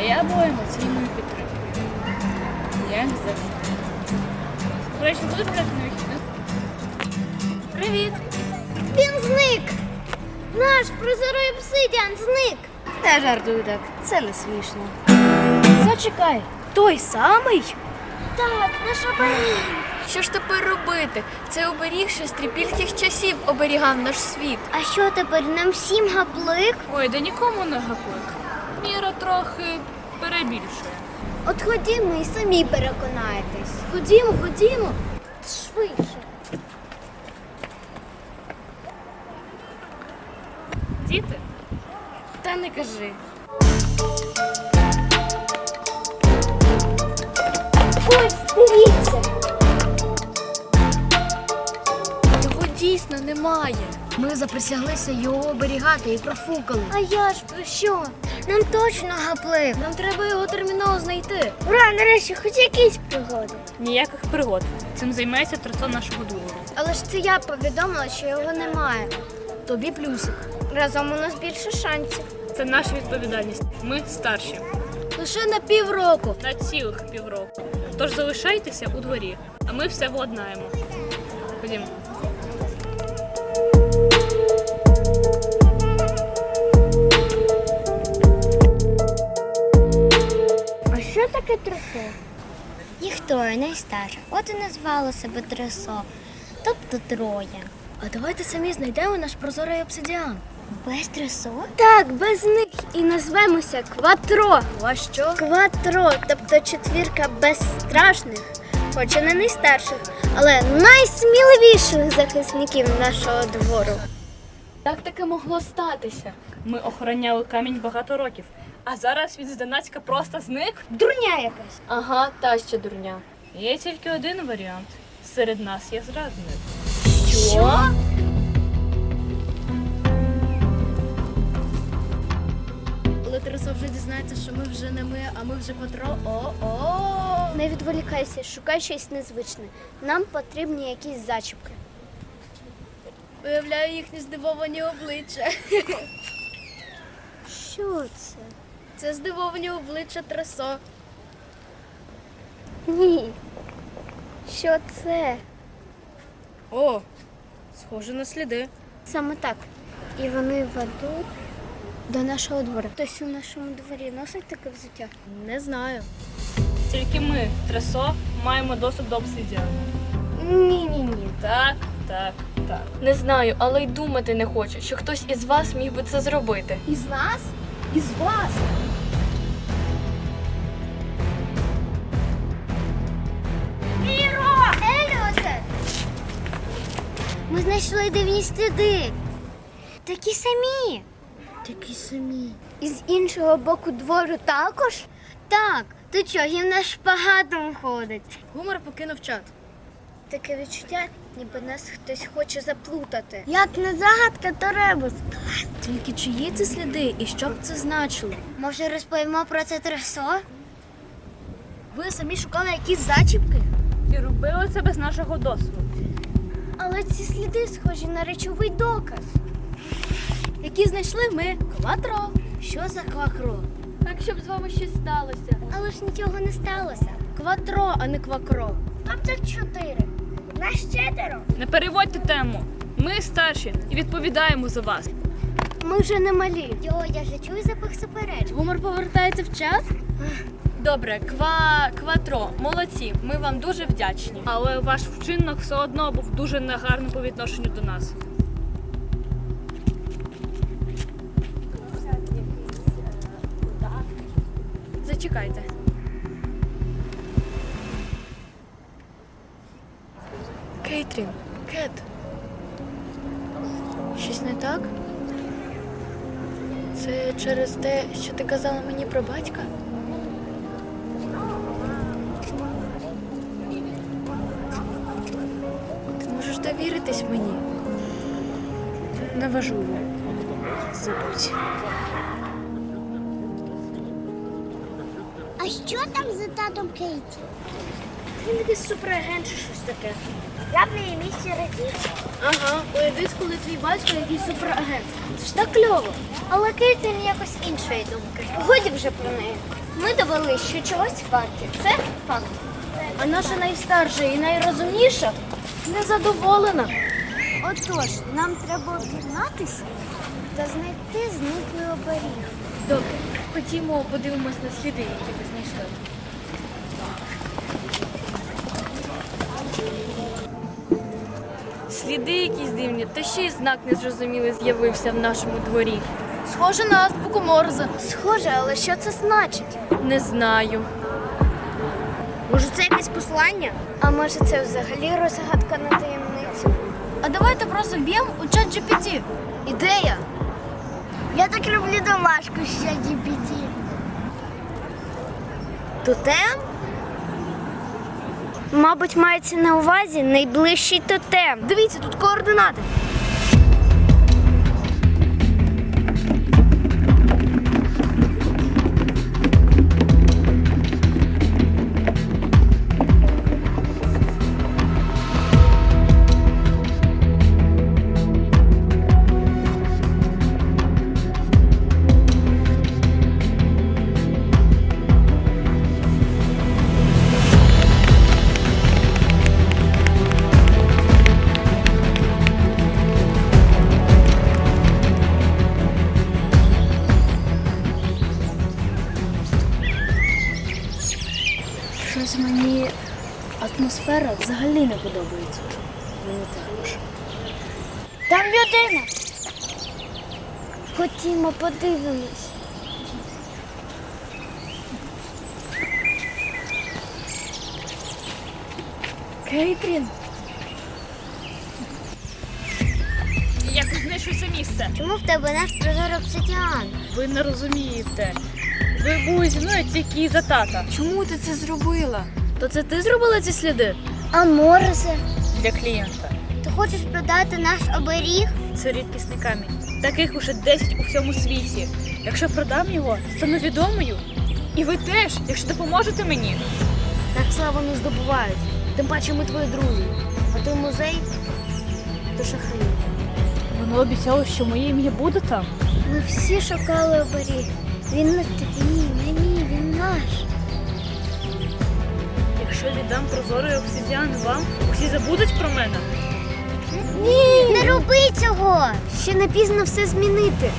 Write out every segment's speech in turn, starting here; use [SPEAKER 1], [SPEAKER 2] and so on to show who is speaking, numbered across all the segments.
[SPEAKER 1] я була емоційною підтримкою. Як завжди. До речі, будеш гуляти на вихідних? Привіт!
[SPEAKER 2] Він зник! Наш прозорий обсидіан зник!
[SPEAKER 3] Не жартуй так, це не смішно. Зачекай, той самий?
[SPEAKER 2] Так, наш оберіг!
[SPEAKER 4] Що ж тепер робити? Цей оберіг ще з трипільських часів оберігав наш світ.
[SPEAKER 2] А що тепер, нам всім гаплик?
[SPEAKER 1] Ой, да нікому не гаплик. Міра трохи перебільшує.
[SPEAKER 2] От ходімо і самі переконаєтесь.
[SPEAKER 3] Ходімо.
[SPEAKER 2] Швидше.
[SPEAKER 1] Діти?
[SPEAKER 3] Та не кажи.
[SPEAKER 2] Ось, дивіться!
[SPEAKER 4] Його дійсно немає.
[SPEAKER 3] Ми заприсяглися його оберігати і профукали.
[SPEAKER 2] А я ж про що? Нам точно гаплик.
[SPEAKER 3] Нам треба його терміново знайти.
[SPEAKER 2] Ура, нарешті, хоч якісь пригоди.
[SPEAKER 1] Ніяких пригод. Цим займається трацо нашого двору.
[SPEAKER 2] Але ж це я повідомила, що його немає.
[SPEAKER 3] Тобі плюсик.
[SPEAKER 2] Разом у нас більше шансів.
[SPEAKER 1] Це наша відповідальність. Ми старші.
[SPEAKER 3] Лише на півроку.
[SPEAKER 1] На цілих півроку. Тож залишайтеся у дворі, а ми все владнаємо. Ходімо.
[SPEAKER 2] А що таке тресо? Їх троє найстарше. От і назвало себе тресо. Тобто троє.
[SPEAKER 3] А давайте самі знайдемо наш прозорий обсидіан.
[SPEAKER 2] Без тресо? Так, без них. І назвемося Кватро.
[SPEAKER 3] А що?
[SPEAKER 2] Кватро, тобто четвірка безстрашних, хоч і не найстарших, але найсміливіших захисників нашого двору.
[SPEAKER 4] Як таке могло статися?
[SPEAKER 1] Ми охороняли камінь багато років, а зараз він зненацька просто зник.
[SPEAKER 2] Дурня якась.
[SPEAKER 4] Ага, та ще дурня.
[SPEAKER 1] Є тільки один варіант. Серед нас є зрадник.
[SPEAKER 4] Що?
[SPEAKER 3] Коли Тресо вже дізнається, що ми вже не ми, а ми вже Кватро. О-о!
[SPEAKER 2] Не відволікайся, шукай щось незвичне. Нам потрібні якісь зачіпки.
[SPEAKER 3] Виявляю їхні здивовані обличчя.
[SPEAKER 2] Що це?
[SPEAKER 3] Це здивовані обличчя Тресо.
[SPEAKER 2] Ні. Що це?
[SPEAKER 3] О, схоже на сліди.
[SPEAKER 2] Саме так. І вони ведуть до нашого двору. Хтось у нашому дворі носить таке взуття?
[SPEAKER 3] Не знаю.
[SPEAKER 1] Тільки ми, Тресо, маємо доступ до обсидіану.
[SPEAKER 2] Ні.
[SPEAKER 1] Так.
[SPEAKER 4] Не знаю, але й думати не хочу, що хтось із вас міг би це зробити.
[SPEAKER 3] Із нас? Із вас?
[SPEAKER 2] Міро! Еліоте! Ми знайшли дивні сліди. Такі самі.
[SPEAKER 3] Такі самі.
[SPEAKER 2] І з іншого боку двору також? Так. То чого, їм на шпагатом ходить?
[SPEAKER 3] Гумор покинув чат.
[SPEAKER 2] Таке відчуття, ніби нас хтось хоче заплутати. Як не загадка, то ребус.
[SPEAKER 3] Тільки чиї це сліди і що б це значило?
[SPEAKER 2] Може, розповімо про це тресо?
[SPEAKER 3] Ви самі шукали якісь зачіпки?
[SPEAKER 1] І робили це без нашого дозволу.
[SPEAKER 2] Але ці сліди схожі на речовий доказ.
[SPEAKER 3] Які знайшли ми? Кватро. Що за квакро?
[SPEAKER 4] Так, щоб з вами щось сталося.
[SPEAKER 2] Але ж нічого не сталося.
[SPEAKER 3] Кватро, а не квакро.
[SPEAKER 2] Тобто 4. Нас 4.
[SPEAKER 1] Не переводьте тему. Ми старші і відповідаємо за вас.
[SPEAKER 2] Ми вже не малі. Йо, я вже чую запах суперечок.
[SPEAKER 3] Гумор повертається в чат?
[SPEAKER 4] Добре, Кватро, молодці, ми вам дуже вдячні.
[SPEAKER 1] Але ваш вчинок все одно був дуже негарним по відношенню до нас.
[SPEAKER 4] Зачекайте. Кейтрін, Кет. Щось не так? Це через те, що ти казала мені про батька? Ти можеш довіритись мені?
[SPEAKER 1] Неважливо. Забудь.
[SPEAKER 2] А що там за татом Кейті?
[SPEAKER 3] Він якийсь суперагент чи щось таке.
[SPEAKER 2] Я б на її місці радів.
[SPEAKER 3] Ага, уявіть, коли твій батько якийсь суперагент. Це ж так кльово.
[SPEAKER 2] Але Кейтлін якось іншої думки. Годі вже про неї. Ми довели, що чогось варті. Це факт.
[SPEAKER 3] А наша найстарша і найрозумніша незадоволена.
[SPEAKER 2] Отож, нам треба об'єднатися та знайти зниклий оберіг.
[SPEAKER 4] Добре, ходімо, подивимось на сліди, які ви знайшли. Сліди якісь дивні, та ще й знак незрозумілий з'явився в нашому дворі.
[SPEAKER 3] Схоже на азбуку Морзе.
[SPEAKER 2] Схоже, але що це значить?
[SPEAKER 4] Не знаю.
[SPEAKER 2] Може, це якесь послання? А може, це взагалі розгадка на таємницю?
[SPEAKER 3] А давайте просто вб'ємо у чат GPT. Ідея.
[SPEAKER 2] Я так люблю домашку з ChatGPT. Тотем? Мабуть, мається на увазі найближчий тотем.
[SPEAKER 3] Дивіться, тут координати. Щось мені атмосфера взагалі не подобається. Мені також.
[SPEAKER 2] Там людина. Ходімо, подивимось.
[SPEAKER 3] Кейтрін.
[SPEAKER 1] Як знайшов це місце?
[SPEAKER 2] Чому в тебе наш прозор обсидіан?
[SPEAKER 1] Ви не розумієте. Ви були зі мною тільки із-за тата.
[SPEAKER 3] Чому ти це зробила? То це ти зробила ці сліди?
[SPEAKER 2] А Морзе?
[SPEAKER 1] Для клієнта.
[SPEAKER 2] Ти хочеш продати наш оберіг?
[SPEAKER 1] Це рідкісний камінь. Таких уже 10 у всьому світі. Якщо продам його, стану відомою. І ви теж, якщо допоможете мені.
[SPEAKER 3] Так славу не здобувають. Тим паче ми твої друзі. А той музей то шахраї.
[SPEAKER 1] Воно обіцяло, що моє ім'я буде там.
[SPEAKER 2] Ми всі шукали оберіг. Він не твій, не мій, він наш.
[SPEAKER 1] Якщо віддам прозорий обсидіан вам, усі забудуть про мене.
[SPEAKER 2] Ні! Не роби цього! Ще не пізно все змінити.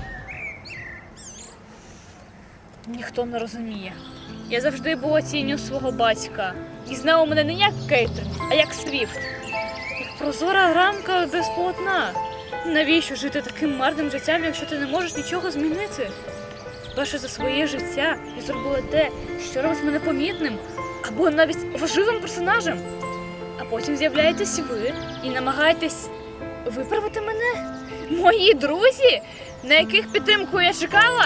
[SPEAKER 1] Ніхто не розуміє. Я завжди була тінню свого батька. І знав мене не як Кейтлін, а як Свіфт. Як прозора рамка без полотна. Навіщо жити таким марним життям, якщо ти не можеш нічого змінити? Вперше за своє життя я зробила те, що робить мене помітним або навіть важливим персонажем. А потім з'являєтесь ви і намагаєтесь виправити мене? Мої друзі, на яких підтримку я чекала?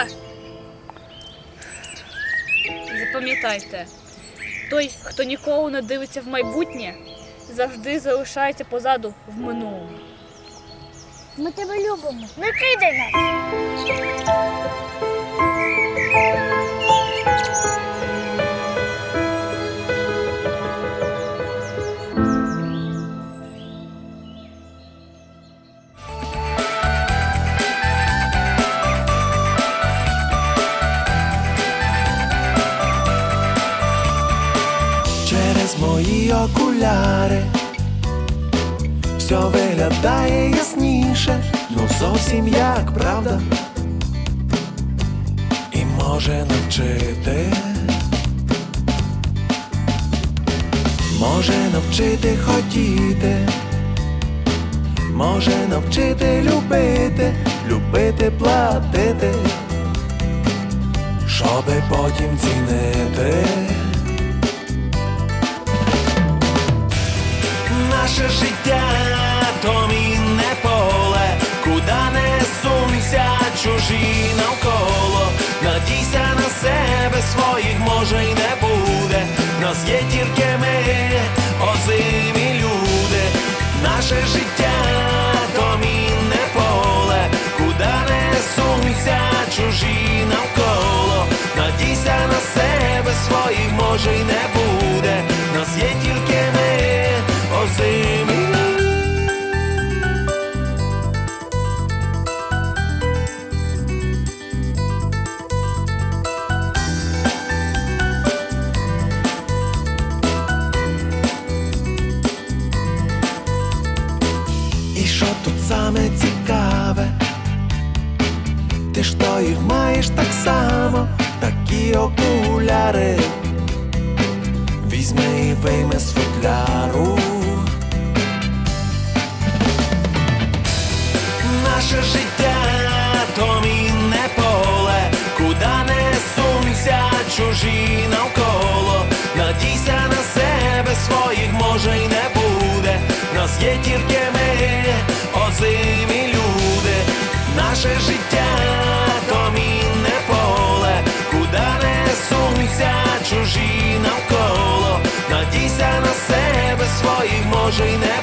[SPEAKER 1] Запам'ятайте, той, хто ніколи не дивиться в майбутнє, завжди залишається позаду в минулому.
[SPEAKER 2] Ми тебе любимо. Не кидай нас.
[SPEAKER 5] Через мої окуляри все виглядає ясніше, ну зовсім як правда, і може навчити, може навчити хотіти, може навчити любити, любити платити, щоби потім цінити. Наше життя то мінне поле, куди не сунься чужі навколо. Надійся на себе, своїх може й не буде. Нас є тільки ми, озимі люди. Наше життя то мінне поле, куди не сунься чужі навколо. Надійся на себе, своїх може й не буде. Нас є своїх маєш так само, такі окуляри. Візьми і вийми з футляру. Наше життя то мінне поле, куда не сунься, чужі навколо. Надійся на себе, своїх може й не буде. Нас є тільки ми, озимі люди. Наше життя то мінне поле, куда не сунься, чужі навколо. Надійся на себе, своїх може й не